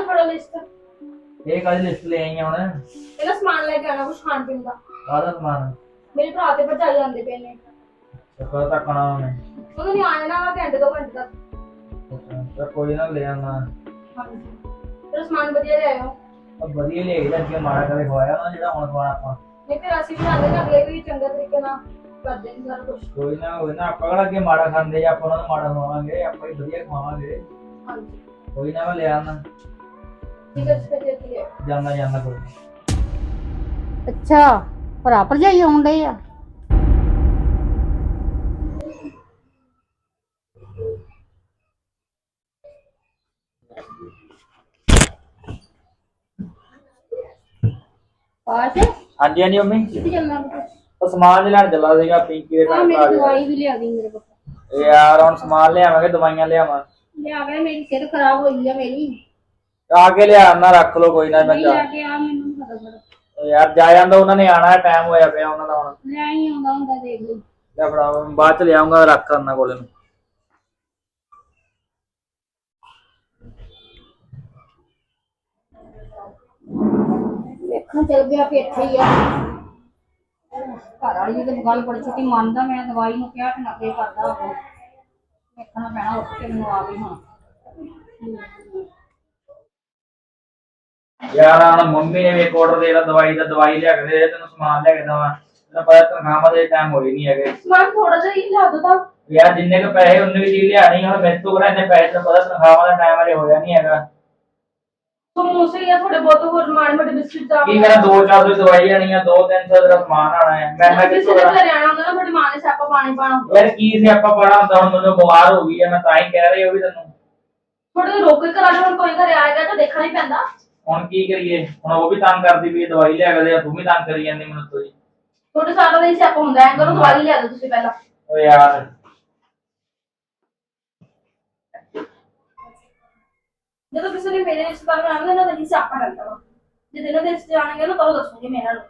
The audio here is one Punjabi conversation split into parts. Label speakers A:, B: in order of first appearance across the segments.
A: फड़ो लिस्ट।
B: ਇਹ ਕਾਹਦੀ ਲਿਸਟ ਲੈ ਆਈ ਹੁਣ?
A: ਇਹਦਾ ਸਮਾਨ ਲੈ ਕੇ ਆਣਾ ਕੁਝ ਖਾਣ ਪੀਣ ਦਾ।
B: ਕਾਹਦਾ ਸਮਾਨ?
A: ਮੇਰੇ ਭਰਾ ਤੇ ਭਰਜਾਈ ਆਉਂਦੇ ਪਏ ਨੇ।
B: ਕਦੋਂ ਤੱਕ ਆਉਣਾ ਉਹਨੇ?
A: ਉਹਨੂੰ ਨਹੀਂ ਆਣਾ ਨਾ ਘੰਟੇ 2 ਘੰਟੇ ਤੱਕ।
B: ਤਾਂ ਕੋਈ ਨਾ ਲੈ ਆਉਣਾ।
A: ਹਾਂਜੀ ਫਿਰ ਸਮਾਨ ਵਧੀਆ ਲਿਆਇਓ।
B: ਵਧੀਆ ਲੈ ਕੇ ਅੱਗੇ ਮਾੜਾ ਕਰੇ ਖਵਾਇਆ ਨਾ ਜਿਹੜਾ ਹੁਣ ਖਵਾਣਾ ਆਪਾਂ।
A: ਨਹੀਂ ਫਿਰ ਅਸੀਂ ਵੀ ਆਉਂਦੇ ਨਾ ਅਗਲੇ ਵੀ ਚੰਗੇ ਤਰੀਕੇ ਨਾਲ ਕਰਦੇ ਨੇ ਸਾਰਾ ਕੁਝ।
B: ਕੋਈ ਨਾ ਹੋਵੇ ਨਾ ਆਪਾਂ ਕਿਹੜਾ ਅੱਗੇ ਮਾੜਾ ਖਾਂਦੇ ਜਾਂ ਆਪਾਂ ਉਹਨਾਂ ਨੂੰ ਮਾੜਾ ਖਵਾਵਾਂਗੇ, ਆਪਾਂ ਹੀ ਵਧੀਆ ਖਵਾਵਾਂਗੇ।
A: ਹਾਂਜੀ
B: ਕੋਈ ਨਾ ਮੈਂ ਲੈ ਆਉਣਾ।
A: ਠੀਕ ਹੈ ਛੇਤੀ ਹੈ।
B: ਜਾਣਾ ਕੋਈ।
C: ਅੱਛਾ ਭਰਾ ਭਰਜਾਈ ਆਉਣ ਡਏ ਆ। ਪਾਸ
B: ਹਾਂਜੀ ਹਾਂਜੀ ਮੰਮੀ,
C: ਕਿੱਥੇ ਚੱਲਣਾ?
B: ਉਹ ਸਮਾਨ ਲੈਣ ਚੱਲਾ ਸੀਗਾ ਪਿੰਕੀ ਦੇ ਘਰ।
C: ਮੇਰੀ ਦਵਾਈ ਵੀ ਲਿਆ ਦੀ ਮੇਰੇ ਕੋਲ।
B: ਯਾਰ ਹੁਣ ਸਮਾਨ ਲਿਆਵਾਂਗੇ, ਦਵਾਈਆਂ ਲਿਆਵਾਂ।
C: ਲਿਆ ਕੇ ਮੇਰੀ ਸਿਹਤ ਖਰਾਬ ਹੋਈ ਆ ਮੇਰੀ।
B: ਆ ਕੇ ਲਿਆ ਨਾ, ਰੱਖ ਲੋ ਕੋਈ ਨਾ। ਮੈਂ
C: ਨਹੀਂ ਲੈ ਕੇ ਆ ਮੈਨੂੰ ਫਟਾਫਟ।
B: ਯਾਰ ਜਾ ਜਾਂਦਾ, ਉਹਨਾਂ ਨੇ ਆਣਾ, ਟਾਈਮ ਹੋਇਆ ਪਿਆ ਉਹਨਾਂ ਦਾ ਹੁਣ।
C: ਲੈ ਹੀ ਆਉਂਦਾ ਹੁੰਦਾ ਦੇਖ ਲਈ।
B: ਲੈ ਫੜਾ, ਬਾਅਦ ਚ ਲਿਆਉਂਗਾ, ਰੱਖ ਕਰਨਾ ਕੋਲੇ ਨੂੰ।
C: ਵੇਖਣ ਚੱਲ ਗਿਆ ਵੀ ਇੱਥੇ ਹੀ ਆ। ਘਰ ਵਾਲੀ ਦੀ ਗੱਲ ਬੜੀ ਛੇਤੀ ਮੰਨਦਾ। ਮੈਂ ਦਵਾਈ ਨੂੰ ਕਿਹਾ ਕਿ ਨੱਕੇ ਕਰਦਾ ਉਹ। ਵੇਖਣਾ ਪੈਣਾ ਉੱਠ ਕੇ ਮੈਨੂੰ ਆ ਵੀ ਹੁਣ।
B: ਯਾਰ ਹੁਣ ਮੰਮੀ ਨੇ ਵੀ ਇੱਕ ਆਰਡਰ ਦੇਣਾ ਦਵਾਈ ਦਾ, ਦਵਾਈ ਲਿਆ ਕੇ ਦੇ, ਤੈਨੂੰ ਸਮਾਨ ਲਿਆ ਕੇ ਦੇਵਾਂ। ਤੈਨੂੰ ਪਤਾ ਤਨਖਾਹਾਂ ਦੇ ਟਾਈਮ ਹੋਏ ਨਹੀਂ ਹੈਗੇ।
A: ਸਮਾਨ ਥੋੜਾ ਜਿਹਾ ਹੀ ਲਿਆ ਦੋ ਤਾਂ।
B: ਯਾਰ ਜਿੰਨੇ ਕੁ ਪੈਸੇ ਉਨੇ ਵੀ ਚੀਜ਼ ਲਿਆਣੀ। ਹੁਣ ਮੇਰੇ ਤੋਂ ਕਿਹੜਾ ਇੰਨੇ ਪੈਸੇ, ਤੈਨੂੰ ਪਤਾ ਤਨਖਾਹਾਂ ਦਾ ਟਾਈਮ ਹਲੇ ਹੋਇਆ ਨਹੀਂ ਹੈਗਾ।
A: ਸਮੋਸੇ ਜਾਂ ਥੋੜੇ ਬਹੁਤ ਹੋਰ ਮਾੜੇ ਮੋਟੇ ਬਿਸਕਿਟ ਦਾ
B: ਕੀ ਕਰਾਂ, 2-4 ਦੀ ਦਵਾਈ ਆਣੀ ਆ, 2-300 ਦਾ ਸਮਾਨ ਆਣਾ ਹੈ। ਮੈਂ
A: ਕਿਸੇ ਦੇ ਘਰੇ ਆਣਾ ਹੁੰਦਾ ਨਾ, ਤੁਹਾਡੀ ਮਾਂ ਨੇ ਸਿਆਪਾ ਪਾਣੀ ਪਾਣਾ।
B: ਯਾਰ ਕੀ ਸੀ ਆਪਾਂ ਪੜਾ ਹੁੰਦਾ, ਹੁਣ ਮੈਨੂੰ ਬਿਮਾਰ ਹੋ ਗਈ ਹੈ, ਮੈਂ ਤਾਂ ਹੀ ਕਹਿ ਰਹੀ ਉਹ ਵੀ ਤੈਨੂੰ।
A: ਥੋੜੇ ਰੋਕ ਕੇ ਕਰਾ ਲਓ, ਹੁਣ ਕੋਈ ਘਰੇ ਆਏਗਾ ਤਾਂ ਦੇਖਣਾ ਹੀ ਪੈਂਦਾ।
B: ਹੁਣ ਕੀ ਕਰੀਏ, ਹੁਣ ਉਹ ਵੀ ਤੰਗ ਕਰਦੀ ਵੀ ਦਵਾਈ ਲਿਆ ਕੇ ਦੇ, ਤੂੰ ਵੀ ਤੰਗ ਕਰੀ ਜਾਂਦੀ ਮੈਨੂੰ ਤੋਂ ਜੀ।
A: ਤੁਹਾਡੇ ਸਾਰਾ ਦਿਨ ਸਿਆਪਾ ਹੁੰਦਾ ਹੈ, ਕਰੋ ਦਵਾਈ ਲਿਆ ਦਿਓ ਤੁਸੀਂ ਪਹਿਲਾਂ।
B: ਓ ਯਾਰ
A: ਜਦੋਂ ਕਿਸੇ ਨੇ ਮੇਰੇ ਰਿਸ਼ਤੇਦਾਰ ਆਉਣਗੇ ਨਾ, ਤਾਂ ਹੀ ਸਿਆਪਾ ਰਹਿੰਦਾ ਵਾ। ਜੇ ਦਿਨੋਂ ਦਿਨ ਰਿਸ਼ਤੇ ਆਣਗੇ ਨਾ, ਤਾਂ ਦੱਸੂਗੀ ਮੈਂ ਇਹਨਾਂ ਨੂੰ।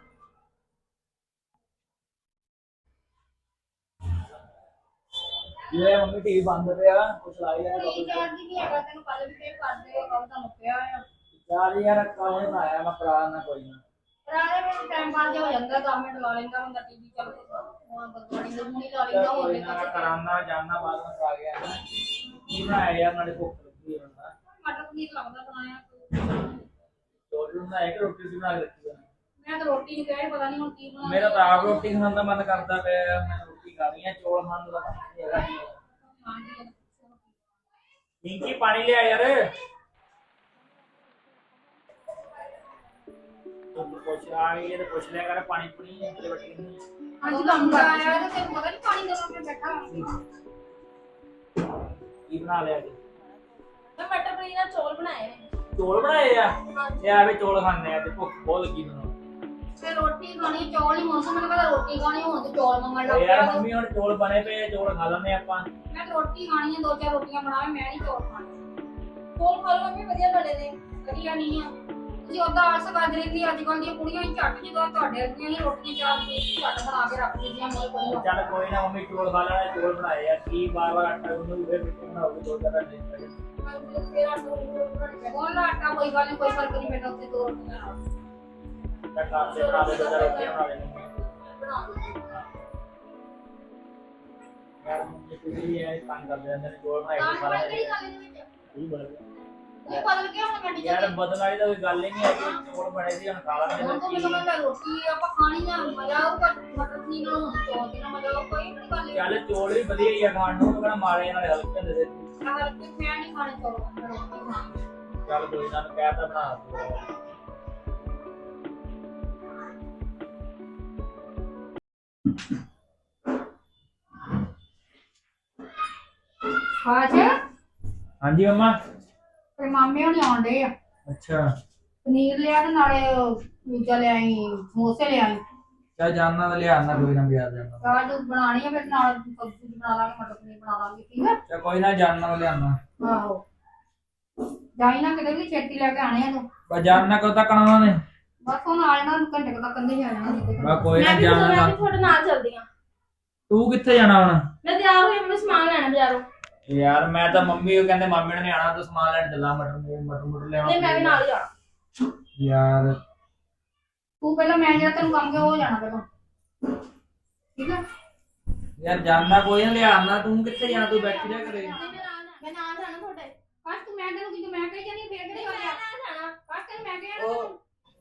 B: ਇਹ ਮੰਮੀ ਟੀਵੀ ਬੰਦ ਪਿਆ, ਕੁਛ ਲਾਈ ਲੈ
C: ਕੋਈ ਜਾਣਦੀ ਨਹੀਂ ਹੈਗਾ ਤੈਨੂੰ। ਕੱਲ ਵੀ ਫੇਰ ਕਰਦੇ ਕੱਲ ਤਾਂ ਮੁੱਕਿਆ ਆ।
B: ਯਾਰ ਯਾਰ ਕਾਹਨੇ ਨਾ ਆਇਆ, ਮੈਂ ਕਰਾ ਨਾ ਕੋਈ ਨਾ।
C: ਰਾਣੇ ਮੈਨੂੰ ਟਾਈਮ ਪਾਸ ਹੋ ਜਾਂਦਾ। 10 ਮਿੰਟ ਲਾ ਲੈਂਦਾ ਬੰਦਾ ਟੀਵੀ ਚੱਲ ਹੁਣ ਬਦਵਾਣੀ ਦੇ ਮੂੰਹ ਲਾ ਲੈਂਦਾ। ਹੋਰ
B: ਕੋਈ
C: ਨਹੀਂ
B: ਨਾ ਕਰਾਨਾ ਜਾਨਾ, ਬਾਅਦ ਵਿੱਚ ਆ ਗਿਆ ਨਾ। ਕੀ ਬਣਾਇਆ ਯਾਰ, ਨਾਲੇ ਭੁੱਖ ਲੱਗੀ ਹੋਈ ਨਾ।
C: ਮਟਰ ਪਨੀਰ ਲੱਗਦਾ ਬਣਾਇਆ।
B: ਚੋਲ ਬਣਾਇਆ ਕਿ ਰੋਟੀ ਵੀ ਬਣਾ ਕੇ ਰੱਖੀ ਆ?
C: ਮੈਂ ਤਾਂ ਰੋਟੀ ਨਹੀਂ ਕਹਿ ਪਤਾ ਨਹੀਂ ਹੁਣ ਕੀ ਬਣਾ।
B: ਮੇਰਾ ਤਾਂ ਆਪ ਰੋਟੀ ਖਾਣ ਦਾ ਮਨ ਕਰਦਾ ਪਿਆ, ਮੈਂ ਰੋਟੀ ਖਾਣੀ ਆ, ਚੋਲ ਖਾਣ ਦਾ ਨਹੀਂ ਹੈਗਾ। ਪਿੰਕੀ ਪਾਣੀ ਲਿਆ ਯਾਰ। ਪੁੱਛ ਆ ਗਈ ਤੇ ਪੁੱਛ ਲਿਆ ਕਰ, ਪਾਣੀ ਪੁਣੀ ਤੇ ਬੱਟੀ ਨਹੀਂ।
C: ਅੱਜ ਕੰਮ ਕਰ ਆਇਆ ਤੇ ਤੈਨੂੰ ਪਤਾ ਨਹੀਂ ਪਾਣੀ ਦੇਣਾ ਮੈਂ ਬੈਠਾ।
B: ਕੀ ਬਣਾ ਲਿਆ ਜੀ?
A: ਮੈਂ ਮਟਰ ਪਨੀਰ ਨਾਲ ਚੌਲ ਬਣਾਏ ਨੇ।
B: ਚੋਲ ਬਣਾਏ ਆ? ਇਹ ਆਵੇ ਚੋਲ ਖਾਣੇ ਆ ਤੇ ਭੁੱਖ ਬਹੁਤ ਲੱਗੀ ਮੈਨੂੰ।
C: ਤੇ ਰੋਟੀ ਖਾਣੀ ਚੌਲ ਹੀ ਮੌਸਮ ਮੈਨੂੰ ਪਤਾ ਰੋਟੀ ਖਾਣੀ ਹੁਣ ਤੇ ਚੌਲ ਮੰਗਣ ਲੱਗ
B: ਯਾਰ
C: ਪਿਆ।
B: ਮੰਮੀ ਹੁਣ ਚੋਲ ਬਣੇ ਪਏ, ਚੋਲ ਖਾ ਲੈਣੇ ਆਪਾਂ।
C: ਮੈਂ ਤਾਂ ਰੋਟੀ ਖਾਣੀ ਆ, 2-4 ਰੋਟੀਆਂ ਬਣਾਵੇ। ਮੈਂ ਨਹੀਂ ਚੌਲ ਖਾਣੇ।
A: ਚੌਲ ਖਾ ਲਓ ਮੰਮੀ, ਵਧੀਆ ਬਣੇ ਨੇ।
C: ਵਧੀਆ ਨਹੀਂ ਆ। ਤੁਸੀਂ ਉਹਦਾ ਆਸ ਕਰ ਰਹੀ ਅੱਜ ਕੱਲ ਦੀਆਂ ਕੁੜੀਆਂ ਹੀ ਝੱਟ ਜਦੋਂ ਤੁਹਾਡੇ ਵਰਗੀਆਂ ਹੀ ਰੋਟੀਆਂ ਝੱਟ ਬਣਾ ਕੇ ਰੱਖ ਦਿੰਦੀਆਂ ਮੇਰੇ ਕੋਲ।
B: ਚੱਲ ਕੋਈ ਨਾ ਮੰਮੀ, ਚੋਲ ਖਾ ਲੈਣੇ, ਚੋਲ ਬਣਾਏ ਆ। ਕੀ ਬਾਰ-ਬਾਰ ਆਟਾ ਗੁੰਨੂ ਫਿਰ ਬਣਾਓਗੇ 2-4 ਘੰਟੇ।
C: ਕੋਲ ਆਟਾ ਕੋਈ ਗੱਲ ਨਹੀਂ, ਕੋਈ ਫਰਕ ਨਹੀਂ ਪੈਂਦਾ ਉੱਤੇ 2 ਰੋਟੀਆਂ ਨਾਲ।
B: ਤਾਂ ਘਰ ਦੇ ਬਣਾ ਦੇ, 2-4 ਰੋਟੀਆਂ ਬਣਾ ਲੈਣੇ। ਯਾਰ ਮੰਮੀ ਤੁਸੀਂ ਵੀ ਐ ਤੰਗ ਕਰਦੇ ਰਹਿੰਦੇ ਨੇ, ਚੋਲ ਬਣਾਏ ਖਾ ਲੈਣੇ। ਕੀ ਬਣ ਗਿਆ?
C: ਇਹ ਬਦਲ ਗਿਆ ਹੁਣ ਮੈਂ
B: ਯਾਰ ਬਦਲ ਵਾਲੀ ਤਾਂ ਕੋਈ ਗੱਲ ਹੀ ਨਹੀਂ ਹੈਗੀ, ਚੋਲ ਬਣੇ ਸੀ ਹੁਣ ਖਾ ਲਾਂਗੇ।
C: ਹੁਣ ਤਾਂ ਮੈਨੂੰ ਕਹਿੰਦਾ ਰੋਟੀ ਆਪਾਂ ਖਾਣੀ ਆ, ਮਜ਼ਾ ਆਊਗਾ। ਮਟਰ ਪਨੀਰ ਨਾਲ ਹੁਣ ਚੌਲ ਦੇ ਨਾਲ ਮਜ਼ਾ ਆਊਗਾ। ਕੋਈ ਨਹੀਂ ਗੱਲ।
B: ਚੱਲ ਚੋਲ ਵੀ ਵਧੀਆ ਹੀ ਆ ਖਾਣ ਨੂੰ, ਕਿਹੜਾ ਮਾਰੇ ਨਾਲੇ ਹਲਕੇ ਹੁੰਦੇ ਸੀ।
C: ਹਲਕੇ ਮੈਂ ਨਹੀਂ ਖਾਣੇ ਚੌਲ, ਮੈਂ ਰੋਟੀ ਖਾਣੀ।
B: ਚੱਲ ਕੋਈ ਨਾ, ਕਹਿ ਤਾਂ ਬਣਾ
C: ਖਾਜ
B: ਹਾਂਜੀ ਮੰਮਾ।
C: ਤੇ ਮਾਮੇ ਹੁਣੀ ਆਉਂਦੇ ਆ।
B: ਅੱਛਾ
C: ਪਨੀਰ ਲਿਆ ਤੇ ਨਾਲੇ ਦੂਜਾ ਲਿਆਈ, ਸਮੋਸੇ ਲਿਆਈ।
B: ਚੱਲ ਜਾਨਣਾ ਤਾਂ ਲਿਆਣਾ, ਕੋਈ ਨਾ ਬਾਜ਼ਾਰ ਜਾਣਾ।
C: ਕਾਜ ਬਣਾਣੀ ਆ ਫਿਰ ਨਾਲ ਸਬਜ਼ੀ ਬਣਾ ਲਾਂਗੇ, ਮਟਰ ਪਨੀਰ ਬਣਾ ਲਾਂਗੇ। ਠੀਕ ਹੈ
B: ਚੱਲ ਕੋਈ ਨਾ, ਜਾਨਣਾ ਲਿਆਣਾ।
C: ਆਹੋ ਜਾਈ ਨਾ ਕਿਤੇ ਵੀ ਛੇਤੀ ਲੈ ਕੇ ਆਣੇ ਆ ਤੂੰ।
B: ਬਸ ਜਾਨਣਾ ਕਦੋਂ ਤੱਕ ਆਉਣਾ ਨੇ?
C: ਬਸ ਹੁਣ ਆ ਜਾਣਾ, ਘੰਟੇ ਤੱਕ ਕੰਦੇ ਹੀ ਆ ਜਾਣਾ।
B: ਬਸ ਕੋਈ ਨਾ,
A: ਮੈਂ
B: ਜਾਨਣਾ।
A: ਵੀ ਤੁਹਾਡੇ ਨਾਲ ਚੱਲਦੀ ਆ।
B: ਤੂੰ ਕਿੱਥੇ ਜਾਣਾ ਹੁਣ?
A: ਮੈਂ ਤਿਆਰ ਹੋਈ, ਮੈਨੂੰ ਸਮਾਨ ਲੈਣਾ ਬਾਜ਼ਾਰੋਂ।
B: ਯਾਰ ਮੈਂ ਤਾਂ ਮੰਮੀ ਉਹ ਕਹਿੰਦੇ ਮਾਮੇ ਨੇ ਆਣਾ ਤਾਂ ਸਮਾਨ ਲੈਣ ਚੱਲਾਂ ਮਟਰ ਲੈਣਾ
A: ਨਹੀਂ ਮੈਂ ਵੀ ਨਾਲ ਹੀ ਜਾਣਾ।
B: ਯਾਰ
C: ਤੂੰ ਪਹਿਲਾਂ ਮੈਂ ਜਿਹੜਾ ਤੈਨੂੰ ਕੰਮ ਕਿਹਾ ਉਹ ਜਾਣਾ ਪਹਿਲਾਂ ਠੀਕ ਹੈ।
B: ਯਾਰ ਜਾਣਾ ਕੋਈ ਨਾ ਲਿਆਣਾ ਤੂੰ ਕਿੱਥੇ ਜਾਣਾ ਤੂੰ ਬੈਠੀ ਰਹਿ ਕਰੇ
A: ਮੈਂ ਨਾਲ ਜਾਣਾ ਤੁਹਾਡੇ।
C: ਕਾਸ਼ ਤੂੰ ਮੈਂ ਤੈਨੂੰ ਕਿਹਾ ਮੈਂ ਕਹੀ ਜਾਂਦੀ ਫੇਰ ਕਿਹੜੀ ਗੱਲ ਆ
A: ਜਾਣਾ।
C: ਕਾਸ਼ ਤੈਨੂੰ ਮੈਂ ਕਿਹਾ
B: ਉਹ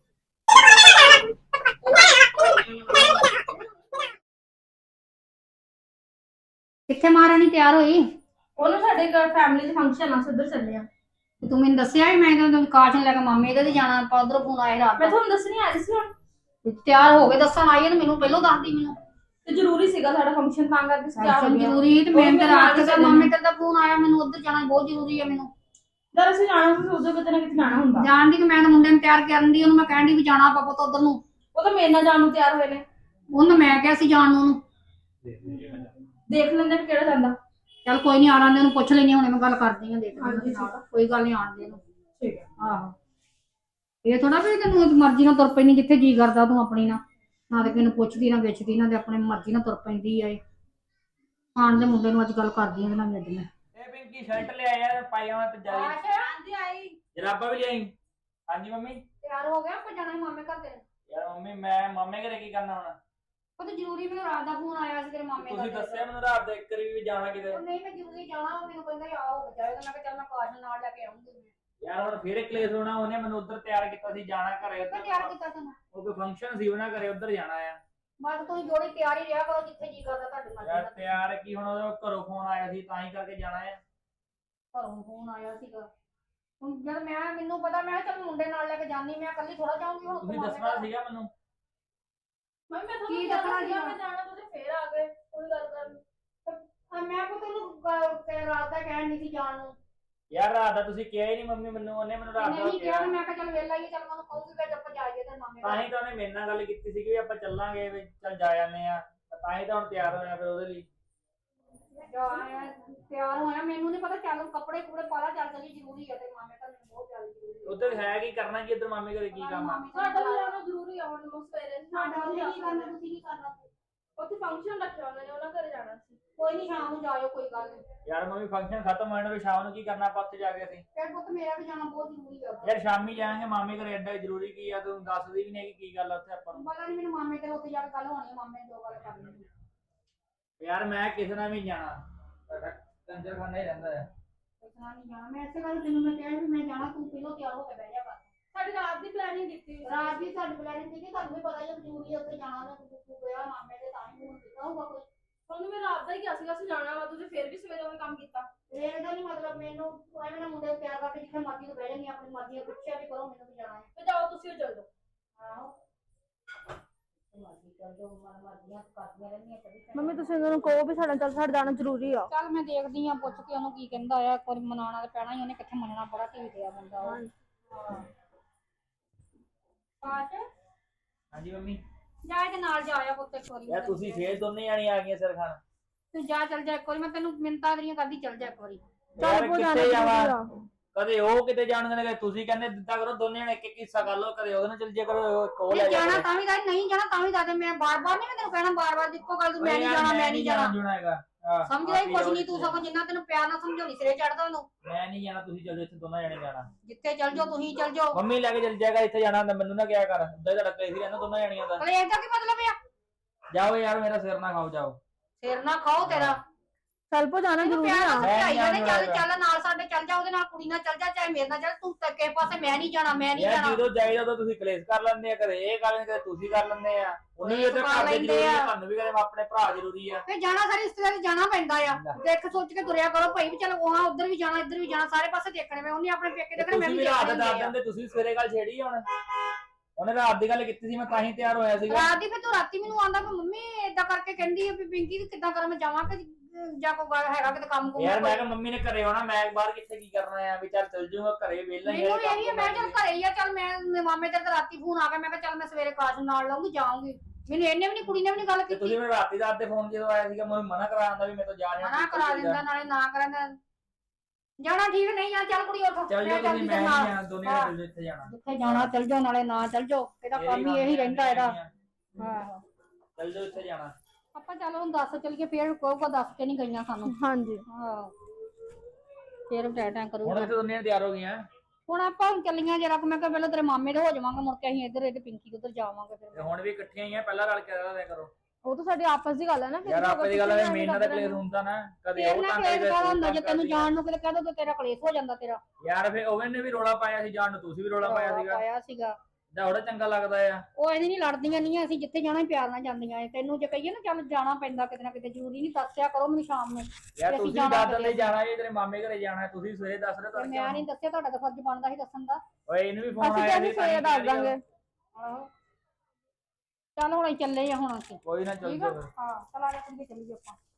C: ਕਿੱਥੇ ਮਹਾਰਾਣੀ ਤਿਆਰ ਹੋਈ
A: ਉਹਨੂੰ ਸਾਡੇ ਘਰ ਫੈਮਿਲੀ ਦੇ ਫੰਕਸ਼ਨ ਆ, ਉੱਧਰ ਚੱਲੇ ਆ।
C: ਤੇ ਤੂੰ ਮੈਨੂੰ ਦੱਸਿਆ ਵੀ ਮੈਂ ਤਾਂ ਕਾਸ਼ ਨੂੰ ਲੈ ਕੇ ਮਾਮੇ ਦੇ ਤੇ ਜਾਣਾ ਆਪਾਂ ਉਧਰੋਂ ਫੋਨ ਆਇਆ ਰਾਤ
A: ਮੈਂ ਤੁਹਾਨੂੰ ਦੱਸਣੀ ਆ ਰਹੀ ਸੀ ਹੁਣ।
C: ਤਿਆਰ ਹੋ ਕੇ ਦੱਸਣ ਆਈ ਹੈ ਤੇ ਮੈਨੂੰ ਪਹਿਲਾਂ ਦੱਸਦੀ ਮੈਨੂੰ
A: ਤੇ ਜ਼ਰੂਰੀ ਸੀਗਾ ਸਾਡਾ ਫੰਕਸ਼ਨ, ਤਾਂ ਕਰਕੇ ਤਿਆਰ ਹੋ
C: ਫੰਕਸ਼ਨ
A: ਗਿਆ।
C: ਜ਼ਰੂਰੀ ਤੇ ਮੈਂ ਤਾਂ ਰਾਤ ਦਾ ਮਾਮੇ ਤੇਰੇ ਦਾ ਫੋਨ ਆਇਆ ਮੈਨੂੰ ਉਧਰ ਜਾਣਾ ਬਹੁਤ ਜ਼ਰੂਰੀ ਹੈ ਮੈਨੂੰ
A: ਜਦ ਅਸੀਂ ਜਾਣਾ ਸੀ ਉਦੋਂ ਕਿਤੇ ਨਾ ਕਿਤੇ ਜਾਣਾ ਹੁੰਦਾ।
C: ਜਾਣ ਦੀ ਕਿ ਮੈਂ ਤਾਂ ਮੁੰਡੇ ਨੂੰ ਤਿਆਰ ਕਰਨ ਦੀ ਉਹਨੂੰ ਮੈਂ ਕਹਿਣ ਦੀ ਵੀ ਜਾਣਾ ਆਪਾਂ ਪੁੱਤ ਉਧਰ ਨੂੰ
A: ਉਹ ਤਾਂ ਮੇਰੇ ਨਾਲ ਜਾਣ ਨੂੰ ਤਿਆਰ ਹੋਏ ਨੇ।
C: ਉਹਨੂੰ ਮੈਂ ਕਿਹਾ ਸੀ ਜਾਣ ਨੂੰ ਉਹਨੂੰ
A: ਦੇਖ ਲੈਂਦੇ ਵੀ ਕਿਹੜਾ ਜਾਂਦਾ।
C: ਚੱਲ ਕੋਈ ਨਹੀਂ ਆਣ ਦੇ ਉਹਨੂੰ ਪੁੱਛ ਲੈਣੀ ਹੁਣੇ ਮੈਂ ਗੱਲ ਕਰਦੀ ਹਾਂ ਦੇਖ
A: ਹਾਂਜੀ,
C: ਕੋਈ ਗੱਲ ਨਹੀਂ ਆਣ ਦੇ ਉਹਨੂੰ
A: ਠੀਕ ਹੈ।
C: ਆਹੋ ਇਹ ਥੋੜਾ ਵੀ ਤੈਨੂੰ ਮਰਜ਼ੀ ਨਾਲ ਤੁਰ ਪੈਣੀ ਜਿੱਥੇ ਜੀ ਕਰਦਾ ਤੂੰ ਆਪਣੀ ਨਾ ਤੇ ਕਿਹਨੂੰ ਪੁੱਛਦੀ ਨਾ ਵਿਚਦੀ ਨਾ ਤੇ ਆਪਣੇ ਮਰਜ਼ੀ ਨਾਲ ਤੁਰ ਪੈਂਦੀ ਆ ਇਹ ਆਣ ਦੇ ਮੁੰਡੇ ਨੂੰ ਅੱਜ ਗੱਲ ਕਰਦੀ ਆ ਨਾ ਅੱਜ ਮੈਂ
B: ਇਹ ਪਿੰਕੀ ਸ਼ਰਟ ਲੈ ਆਇਆ ਪਾਈਆਂ ਤੇ ਜਾਈ
A: ਹਾਂਜੀ ਆਈ।
B: ਜਰਾਬਾਂ ਵੀ ਲਿਆਈ। ਹਾਂਜੀ ਮੰਮੀ।
C: ਤਿਆਰ ਹੋ ਗਿਆ ਆਪਾਂ ਜਾਣਾ ਮਾਮੇ ਘਰ ਤੇਰੇ
B: ਯਾਰ ਮੰਮੀ ਮੈਂ ਮਾਮੇ ਘਰੇ ਕੀ ਕਰਨਾ ਹੁਣ?
C: ਉਹ ਤਾਂ ਜ਼ਰੂਰੀ ਮੈਨੂੰ ਰਾਤ ਦਾ ਫੋਨ ਆਇਆ ਸੀ ਤੇਰੇ ਮਾਮੇ ਦਾ
B: ਤੁਸੀਂ ਦੱਸਿਆ ਮੈਨੂੰ ਰਾਤ ਦੇ ਇੱਕ ਵਾਰੀ ਵੀ ਜਾਣਾ ਕਿਤੇ।
C: ਉਹ ਨਹੀਂ ਮੈਂ ਜ਼ਰੂਰੀ ਜਾਣਾ ਉਹ ਮੈਨੂੰ ਕਹਿੰਦਾ ਆ ਹੋ ਜਾਏਗਾ ਮੈਂ ਕਿਹਾ ਚੱਲ ਮੈਂ ਕਾਸ਼ ਨੂੰ ਨਾਲ ਲੈ ਕੇ ਆਉਂਗੀ ਮੈਂ
B: ਯਾਰ ਹੁਣ ਫੇਰ ਕਲੇਸ਼ ਹੋਣਾ, ਉਹਨੇ ਮੈਨੂੰ ਉੱਧਰ ਤਿਆਰ ਕੀਤਾ ਸੀ ਜਾਣਾ ਘਰੇ
C: ਮੈਂ ਤਿਆਰ ਕੀਤਾ ਤੈਨੂੰ
B: ਉਹ ਕੋਈ ਫੰਕਸ਼ਨ ਸੀ ਉਹਨਾਂ ਘਰੇ ਉੱਧਰ ਜਾਣਾ ਆ।
C: ਬਸ ਤੁਸੀਂ ਜੋੜੀ ਤਿਆਰ ਹੀ ਰਿਹਾ ਕਰੋ ਜਿੱਥੇ ਜੀ ਕਰਦਾ ਤੁਹਾਡੀ ਮਰਜ਼ੀ
B: ਯਾਰ
C: ਨਾਲ
B: ਤਿਆਰ ਕੀ ਹੁਣ ਉਹਦੇ ਘਰੋਂ ਫੋਨ ਆਇਆ ਸੀ ਤਾਂ ਹੀ ਕਰਕੇ ਜਾਣਾ ਆ।
C: ਘਰੋਂ ਫੋਨ ਆਇਆ ਸੀਗਾ ਹੁਣ ਜਦ ਮੈਨੂੰ ਪਤਾ ਮੈਂ ਕਿਹਾ ਚੱਲ ਮੁੰਡੇ ਨਾਲ ਲੈ ਕੇ ਜਾਨੀ ਮੈਂ ਇਕੱਲੀ ਥੋੜਾ ਜਾਊਂਗੀ ਹੁਣ
B: ਤੁਸੀਂ
C: ਮਾਮੇ
B: ਦੱਸਣਾ
C: ਘਰ।
B: ਸੀਗਾ ਮੈਨੂੰ।
A: ਮੈਂ ਤੁਹਾਨੂੰ
C: ਕੀ
A: ਕਿਹਾ
C: ਦੱਸਣਾ
A: ਸੀਗਾ
C: ਸੀਗਾ?
A: ਮੈਂ ਜਾਣਾ, ਤੁਸੀਂ ਫੇਰ ਆ ਗਏ ਕੋਈ ਗੱਲ ਕਰਨ।
C: ਮੈਂ ਕੋ ਤੈਨੂੰ ਰਾਤ ਦਾ ਕਹਿਣ ਨਹੀਂ ਸੀ ਜਾਣ ਨੂੰ
B: ਯਾਰ ਰਾਤ ਦਾ ਤੁਸੀਂ ਕਿਹਾ ਹੀ ਨਹੀਂ ਮੰਮੀ ਮੈਨੂੰ, ਉਹਨੇ ਮੈਨੂੰ ਰਾਤ ਦਾ
C: ਨਹੀਂ
B: ਕਿਹਾ।
C: ਕਿਹਾ ਮੈਂ ਕਿਹਾ ਚੱਲ ਵੇਲਾ ਹੀ ਚੱਲ ਮੈਨੂੰ ਕਹੂਗੀ ਕਿ ਆਪਾਂ ਜਾਈਏ ਤੇ ਮਾਮੇ
B: ਤਾਂ ਹੀ ਤਾਂ ਉਹਨੇ ਮੇਰੇ ਨਾਲ ਗੱਲ ਕੀਤੀ ਸੀ ਕਿ ਵੀ ਆਪਾਂ ਚੱਲਾਂਗੇ ਵੀ ਚੱਲ ਜਾ ਜਾਂਦੇ ਆ। ਤਾਂ ਹੀ ਤਾਂ ਹੁਣ ਤਿਆਰ ਹੋਇਆ ਫਿਰ ਉਹਦੇ ਲਈ।
C: ਤਿਆਰ ਹੋਇਆ ਮੈਨੂੰ ਨਹੀਂ ਪਤਾ ਚੱਲ ਕੱਪੜੇ ਕੁਪੜੇ ਪਾ ਲਾ ਚੱਲ ਚੱਲੀ ਜ਼ਰੂਰੀ ਹੈ ਤੇ ਮਾਮੇ ਘਰ ਮੈਨੂੰ ਬਹੁਤ ਜ਼ਿਆਦਾ ਜ਼ਰੂਰੀ ਹੈ
B: ਉੱਧਰ ਹੈ ਕੀ ਕਰਨਾ ਕੀ ਇੱਧਰ ਮਾਮੇ ਘਰੇ ਕੀ ਕੰਮ ਆ?
A: ਸਾਡਾ ਵੀ ਜਾਣਾ ਜ਼ਰੂਰੀ ਆ ਹੁਣ ਸਵੇਰੇ।
C: ਸਾਡਾ ਉਹਨੇ ਕੀ ਕਰਨਾ ਤੁਸੀਂ ਕੀ ਕਰਨਾ
A: ਉੱਥੇ ਫੰਕਸ਼ਨ ਰੱਖਿਆ ਉਹਨਾਂ ਨੇ, ਉਹਨਾਂ ਘਰੇ ਜਾਣਾ ਸੀ।
C: ਕੋਈ ਨਹੀਂ ਸ਼ਾਮ ਨੂੰ ਜਾਇਓ ਕੋਈ ਗੱਲ ਨਹੀਂ
B: ਯਾਰ ਮੰਮੀ ਫੰਕਸ਼ਨ ਖਤਮ ਹੋਣ ਵੀ ਸ਼ਾਮ ਨੂੰ ਕੀ ਕਰਨਾ ਆਪਾਂ ਉੱਥੇ ਜਾ ਕੇ ਅਸੀਂ?
C: ਫਿਰ ਪੁੱਤ ਮੇਰਾ ਵੀ ਜਾਣਾ ਬਹੁਤ ਜ਼ਰੂਰੀ ਹੈ
B: ਯਾਰ ਸ਼ਾਮੀ ਜਾਵਾਂਗੇ ਮਾਮੇ ਘਰੇ, ਐਡਾ ਜ਼ਰੂਰੀ ਕੀ ਆ ਤੂੰ ਦੱਸਦੀ ਵੀ ਨਹੀਂ ਕਿ ਕੀ ਗੱਲ ਆ ਉੱਥੇ ਆਪਾਂ ਨੂੰ।
C: ਪਤਾ ਨਹੀਂ ਮੈਨੂੰ ਮਾਮੇ ਤੇਰੇ ਉੱਥੇ ਜਾ ਕੇ ਗੱਲ ਹੋਣੀ ਹੈ ਮਾਮੇ ਨੇ ਜੋ ਗੱਲ ਕਰਨੀ ਹੈ
B: ਯਾਰ ਮੈਂ ਕਿਸੇ ਨਾਲ ਵੀ ਨੀ ਜਾਣਾ, ਕੰਜਰ ਖਾਨਾ ਹੀ ਰਹਿੰਦਾ ਹੈ।
C: ਪੁੱਛਣਾ ਨਹੀਂ ਜਾਣਾ ਮੈਂ ਇਸੇ ਗੱਲ ਤੈਨੂੰ ਮੈਂ ਕਿਹਾ ਵੀ ਮੈਂ ਜਾਣਾ ਤੂੰ ਪਹਿਲਾਂ ਤਿਆਰ ਹੋ ਕੇ ਬਹਿ ਜਾ ਕਰ
A: ਸਾਡੀ ਰਾਤ ਦੀ ਪਲੈਨਿੰਗ ਕੀਤੀ ਹੋਈ ਸੀ।
C: ਰਾਤ ਦੀ ਸਾਡੀ ਪਲਾਨਿੰਗ ਸੀ ਕਿ ਤੁਹਾਨੂੰ ਵੀ ਪਤਾ ਹੀ ਹੈ ਜ਼ਰੂਰੀ ਹੈ ਉੱਥੇ ਜਾਣਾ ਨਾ ਤੂੰ ਗਿਆ ਮਾਮੇ ਦੇ ਤਾਂ ਹੀ ਹੁਣ ਕੀਤਾ ਹੋਊਗਾ ਕੋਈ
A: ਤੁਹਾਨੂੰ ਮੈਂ ਰਾਤ ਦਾ ਹੀ ਕਿਹਾ ਸੀਗਾ ਅਸੀਂ ਜਾਣਾ ਵਾ, ਤੁਸੀਂ ਫੇਰ ਵੀ ਸਵੇਰੇ ਉਹ ਕੰਮ ਕੀਤਾ।
C: ਇਹਦਾ ਨਹੀਂ ਮਤਲਬ ਮੈਨੂੰ ਐਵੇਂ ਨਾ ਮੁੰਡੇ ਨੂੰ ਤਿਆਰ ਕਰਕੇ ਜਿੱਥੇ ਮਰਜ਼ੀ ਤੋਂ ਬਹਿ ਜਾਂਦੀ ਆਪਣੀ ਮਰਜ਼ੀ ਨਾਲ ਪੁੱਛਿਆ ਵੀ ਕਰੋ ਮੈਨੂੰ ਵੀ ਜਾਣਾ ਹੈ
A: ਤੇ ਜਾਓ ਤੁਸੀਂ ਉਹ ਚੱਲ ਜਾਓ।
C: ਆਹੋ ਮਰਜ਼ੀ ਕਰ ਜੋ ਮਰਜ਼ੀਆਂ ਕਰਦੀਆਂ ਰਹਿੰਦੀਆਂ ਕਦੀ
A: ਮੰਮੀ ਤੁਸੀਂ ਉਹਨਾਂ ਨੂੰ ਕਹੋ ਵੀ ਸਾਡਾ ਜਾਣਾ ਜ਼ਰੂਰੀ ਆ।
C: ਚੱਲ ਮੈਂ ਦੇਖਦੀ ਆ ਪੁੱਛ ਕੇ ਉਹਨੂੰ ਕੀ ਕਹਿੰਦਾ ਆ ਇੱਕ ਵਾਰੀ ਮਨਾਉਣਾ ਤੇ ਪੈਣਾ ਹੀ ਉਹਨੇ ਕਿੱਥੇ ਮੰਨਣਾ ਬੜਾ ਢੀਠ ਆ ਬੰਦਾ ਉਹ
B: ਹਾਂਜੀ ਮੰਮੀ।
C: ਜਾ ਇਹਦੇ ਨਾਲ ਜਾ ਆਇਆ ਪੁੱਤ ਇੱਕ ਵਾਰੀ
B: ਯਾਰ ਤੁਸੀਂ ਫੇਰ ਦੋਨੇ ਜਾਣੀ ਆ ਗਈਆਂ ਸਿਰ ਖਾਣ।
C: ਤੂੰ ਜਾ ਚੱਲ ਜਾ ਇੱਕ ਵਾਰੀ ਮੈਂ ਤੈਨੂੰ ਮਿੰਤਾਂ ਤੇਰੀਆਂ ਕਰਦੀ ਚੱਲ ਜਾ ਇੱਕ ਵਾਰੀ
B: ਯਾਰ ਕਿੱਥੇ ਜਾਵਾਂ? ਕਦੇ ਉਹ ਕਿਤੇ ਜਾਣਗੇ ਨੇ, ਤੁਸੀਂ ਕਹਿੰਦੇ ਦਿੱਤਾ ਕਰੋ ਦੋਨੇ ਜਣੇ ਇੱਕ ਇੱਕ ਹਿੱਸਾ ਕਰ ਲਓ, ਕਦੇ ਉਹਦੇ ਨਾਲ ਚੱਲ ਜਿਆ ਕਰੋ, ਕੋਲ ਲੈ
C: ਨਹੀਂ
B: ਜਾਣਾ
C: ਜਾਣਾ ਤਾਂ ਵੀ ਦੱਸ ਨਹੀਂ ਜਾਣਾ ਤਾਂ ਵੀ ਦੱਸ ਮੈਂ ਬਾਰ-ਬਾਰ ਨਹੀਂ ਮੈਂ ਤੈਨੂੰ ਕਹਿਣਾ ਬਾਰ-ਬਾਰ ਇੱਕੋ ਗੱਲ ਤੂੰ ਮੈਂ ਨਹੀਂ ਜਾਣਾ ਮੈਂ ਨਹੀਂ ਜਾਣਾ
B: ਜੁਣਾ ਹੈਗਾ।
C: ਸਮਝਦਾ ਹੀ ਕੁਛ ਨਹੀਂ ਤੂੰ ਸਗੋਂ ਜਿੰਨਾ ਤੈਨੂੰ ਪਿਆਰ ਨਾਲ ਸਮਝਾਉਣੀ ਸਿਰੇ ਚੜਦਾ ਉਹਨੂੰ
B: ਮੈਂ ਨਹੀਂ ਜਾਣਾ, ਤੁਸੀਂ ਚੱਲ ਜਾਓ, ਇੱਥੇ ਦੋਨਾਂ ਜਣੇ ਜਾਣਾ।
C: ਜਿੱਥੇ ਚੱਲ ਜਾਓ ਤੁਸੀਂ ਚੱਲ ਜਾਓ
B: ਮੰਮੀ ਲੈ ਕੇ ਚੱਲ ਜਾਏਗਾ, ਇੱਥੇ ਜਾਣਾ ਹੁੰਦਾ ਮੈਨੂੰ ਨਾ ਕਿਹਾ ਕਰ, ਉੱਦਾਂ ਹੀ ਤੁਹਾਡਾ ਕਲੇਸ਼ ਹੀ ਰਹਿੰਦਾ ਦੋਨਾਂ ਜਣੀਆਂ ਦਾ।
C: ਕਲੇਸ਼ ਦਾ ਕੀ ਮਤਲਬ ਆ
B: ਜਾਓ ਯਾਰ ਮੇਰਾ ਸਿਰ ਨਾ ਖਾਓ, ਜਾਓ।
C: ਸਿਰ ਨਾ ਖਾਓ ਤੇਰਾ
A: ਚੱਲ ਪੋ ਜਾਣਾ
C: ਤੈਨੂੰ
A: ਜ਼ਰੂਰੀ
C: ਪਿਆਰ
A: ਆ।
C: ਨਾਲ ਸਮਝਾਈ
B: ਮੈਂ
C: ਜਾਂਦੇ ਚੱਲ
B: ਜਾਣਾ।
C: ਚੱਲ ਨਾਲ ਸਾਡੇ ਚੱਲ ਜਾ ਉਹਦੇ ਨਾਲ ਕੁੜੀ ਨਾਲ ਚੱਲ ਜਾ ਚਾਹੇ ਮੇਰੇ ਨਾਲ ਚੱਲ ਤੂੰ ਕਿਸੇ ਪਾਸੇ ਮੈਂ ਨਹੀਂ ਜਾਣਾ ਮੈਂ ਨਹੀਂ
B: ਯਾਰ
C: ਜਾਣਾ
B: ਜਦੋਂ ਜਾਈਦਾ ਉਦੋਂ ਤੁਸੀਂ ਕਲੇਸ਼ ਕਰ ਲੈਂਦੇ ਆ, ਕਦੇ ਇਹ ਕਰ ਲੈਂਦੇ, ਕਦੇ ਤੁਸੀਂ ਕਰ ਲੈਂਦੇ ਆ। ਉਹਨੂੰ ਵੀ ਇੱਥੇ ਘਰ ਦੇ ਜ਼ਰੂਰੀ ਆ, ਤੁਹਾਨੂੰ ਵੀ ਕਦੇ ਆਪਣੇ ਭਰਾ ਜ਼ਰੂਰੀ ਆ।
C: ਫੇ ਜਾਣਾ ਸਾਰੇ ਰਿਸ਼ਤੇਦਾਰ ਜਾਣਾ ਪੈਂਦਾ ਆ ਦੇਖ ਸੋਚ ਕੇ ਤੁਰਿਆ ਕਰੋ ਭਾਈ ਵੀ ਚਲ ਉਹ ਉਧਰ ਵੀ ਜਾਣਾ ਇੱਧਰ ਵੀ ਜਾਣਾ ਸਾਰੇ ਪਾਸੇ ਦੇਖਣੇ ਮੈਂ ਉਹਨੇ ਆਪਣੇ ਪੇਕੇ ਦੇਖਣੇ ਮੈਂ
B: ਤੁਸੀਂ
C: ਵੀ
B: ਵੀ ਰਾਤ ਦਾ
C: ਦੇਖਣੇ
B: ਦੱਸ ਦਿੰਦੇ, ਤੁਸੀਂ ਸਵੇਰੇ ਗੱਲ ਛੇੜੀ ਹੁਣ। ਉਹਨੇ ਰਾਤ ਦੀ ਗੱਲ ਕੀਤੀ ਸੀ, ਮੈਂ ਤਾਂ ਹੀ ਤਿਆਰ ਹੋਇਆ ਸੀਗਾ।
C: ਰਾਤ ਦੀ ਫੇ ਤੂੰ ਰਾਤੀ ਮੈਨੂੰ ਆਂਦਾ ਕਿ ਮੰਮੀ ਏਦਾਂ ਕਰਕੇ ਕਹਿੰਦੀ ਆ ਵੀ ਪਿੰਕੀ ਕਿੱਦਾਂ ਕਰਾਂ ਮੈਂ ਜਾਵਾਂ ਕਿ ਜਾਂ ਕੋਈ ਗੱਲ ਹੈਗਾ ਕਿਤੇ ਕੰਮ ਕੁਮ
B: ਯਾਰ ਮੈਂ ਕਿਹਾ ਮੰਮੀ ਨੇ ਘਰੇ ਆਉਣਾ, ਮੈਂ ਬਾਹਰ ਕਿੱਥੇ ਕੀ ਕਰਨਾ ਆ, ਵੀ ਚੱਲ ਜਾਊਗਾ ਘਰੇ ਵਿਹਲਾ ਹੀ
C: ਮੈਨੂੰ ਇਹੀ ਆ, ਮੈਂ ਚੱਲ ਘਰੇ ਹੀ ਆ ਚੱਲ ਮੈਂ ਮਾਮੇ ਤੇਰੇ ਤੇ ਰਾਤੀ ਫੋਨ ਆ ਗਿਆ ਮੈਂ ਕਿਹਾ ਚੱਲ ਮੈਂ ਸਵੇਰੇ ਕਾਸ਼ ਨਾਲ ਲਾਉਂਗੀ ਜਾਊਂਗੀ ਮੈਨੂੰ ਇਹਨੇ ਵੀ ਨਹੀਂ ਕੁੜੀ ਨੇ ਵੀ ਨਹੀਂ ਗੱਲ
B: ਤੇ
C: ਕੀਤੀ
B: ਤੁਸੀਂ ਮੈਨੂੰ ਰਾਤੀ ਰਾਤ ਦੇ ਫੋਨ ਜਦੋਂ ਆਇਆ ਸੀਗਾ ਮੈਨੂੰ ਮਨਾ ਕਰਾ ਆਂਦਾ ਵੀ ਮੈਂ ਤਾਂ ਜਾ ਰਿਹਾ।
C: ਮਨਾ ਕਰਾ ਦਿੰਦਾ ਨਾਲੇ ਨਾ ਕਰਾਂਦਾ ਜਾਣਾ ਠੀਕ ਨਹੀਂ ਆ ਚੱਲ ਕੁੜੀ ਉੱਠ
B: ਚੱਲ ਜਾਓ
C: ਮੈਂ
B: ਤੁਸੀਂ,
C: ਚੱਲਦੀ
B: ਮੈਂ
C: ਤੇਰੇ
B: ਨਹੀਂ
C: ਨਾਲ
B: ਜਾਣਾ, ਦੋਨੇ ਜਣੇ ਚੱਲ ਜਾਓ, ਇੱਥੇ ਜਾਣਾ।
C: ਜਿੱਥੇ ਜਾਣਾ ਚੱਲ ਜਾਓ ਨਾਲੇ ਨਾ ਚੱਲ ਜਾਓ ਇਹਦਾ ਕੰਮ ਹੀ ਇਹੀ ਰਹਿੰਦਾ ਇਹਦਾ ਆਹੋ
B: ਚੱਲ ਜਾਓ, ਇੱਥੇ ਜਾਣਾ।
C: ਆਪਾਂ ਚੱਲ ਹੁਣ ਦੱਸ ਚੱਲੀਏ ਫੇਰ ਕਹੂਗਾ ਦੱਸ ਕੇ ਨਹੀਂ ਗਈਆਂ ਸਾਨੂੰ
A: ਹਾਂਜੀ
C: ਹਾਂ ਫੇਰ ਟੈਟਾਂ ਕਰੂਗਾ
B: ਹੁਣ ਤੇ ਦੋਨੇ ਤਿਆਰ ਹੋ ਗਈਆਂ
C: ਹੁਣ ਆਪਾਂ ਚੱਲੀਆਂ ਜਰਾ ਮੈਂ ਕਿਹਾ ਪਹਿਲਾਂ ਤੇਰੇ ਮਾਮੇ ਦੇ ਹੋ ਜਾਵਾਂਗੇ ਮੁੜ ਕੇ ਅਸੀਂ ਇੱਧਰ ਇਹਦੇ ਪਿੰਕੀ ਉਧਰ ਜਾਵਾਂਗੇ ਫਿਰ
B: ਤੇ ਹੁਣ ਵੀ ਇਕੱਠੀਆਂ ਹੀ ਆ ਪਹਿਲਾਂ ਰਲ ਕੇ ਰਹਿ ਕਰੋ
D: ਉਹ ਤਾਂ ਸਾਡੀ ਆਪਸ ਦੀ ਗੱਲ ਹੈ ਨਾ
B: ਯਾਰ ਆਪੇ ਦੀ ਗੱਲ ਹੈ ਮੇਨ ਦਾ ਕਲੇਸ਼ ਹੁੰਦਾ ਨਾ ਕਦੇ ਉਹ ਤਾਂ
C: ਹੁੰਦਾ ਜੇ ਤੈਨੂੰ ਜਾਣ ਨੂੰ ਕਿਤੇ ਕਹਿ ਦੋ ਤੇਰਾ ਕਲੇਸ਼ ਹੋ ਜਾਂਦਾ ਤੇਰਾ
B: ਯਾਰ ਫੇ ਉਹ ਨੇ ਵੀ ਰੋਲਾ ਪਾਇਆ ਸੀ ਜਾਣ ਨੂੰ ਤੁਸੀਂ ਵੀ ਰੋਲਾ ਪਾਇਆ ਸੀਗਾ ਜਾਂ ਉਹਦਾ ਚੰਗਾ ਲੱਗਦਾ ਆ
C: ਉਹ ਇਹਦੀ ਨਹੀਂ ਲੜਦੀਆਂ ਨਹੀਂ ਅਸੀਂ ਜਿੱਥੇ ਜਾਣਾ ਪਿਆਰ ਨਾਲ ਜਾਂਦੀਆਂ ਤੈਨੂੰ ਜੇ ਕਹੀਏ ਨਾ ਚੱਲ ਜਾਣਾ ਪੈਂਦਾ ਕਿਤੇ ਨਾ ਕਿਤੇ ਜ਼ਰੂਰੀ ਨਹੀਂ ਦੱਸਿਆ ਕਰੋ ਮੈਨੂੰ ਸ਼ਾਮ ਨੂੰ
B: ਯਾਰ ਤੁਸੀਂ ਦਾਦਨ ਲਈ ਜਾਣਾ ਹੈ ਤੇਰੇ ਮਾਮੇ ਘਰੇ ਜਾਣਾ ਤੁਸੀਂ ਸਵੇਰੇ ਦੱਸ ਰਹੇ ਤੁਹਾਡੇ
C: ਮੈਂ ਨਹੀਂ ਦੱਸਿਆ ਤੁਹਾਡਾ ਤਾਂ ਫਰਜ਼ ਬਣਦਾ ਸੀ ਦੱਸਣ ਦਾ
B: ਓਏ ਇਹਨੂੰ ਵੀ ਫੋਨ
D: ਅਸੀਂ
B: ਆਇਆ
D: ਕਹਿੰਦੇ ਸਵੇਰੇ ਦੱਸ ਦਾਂਗੇ
C: ਚੱਲ ਹੁਣ ਅਸੀਂ ਚੱਲੇ ਆ ਹੁਣ ਅਸੀਂ
B: ਕੋਈ ਨਾ ਚੱਲ
C: ਠੀਕ ਆ ਹਾਂ ਚਲ ਆ ਜਾ ਕੁੜੀਏ ਚੱਲੀਏ ਆਪਾਂ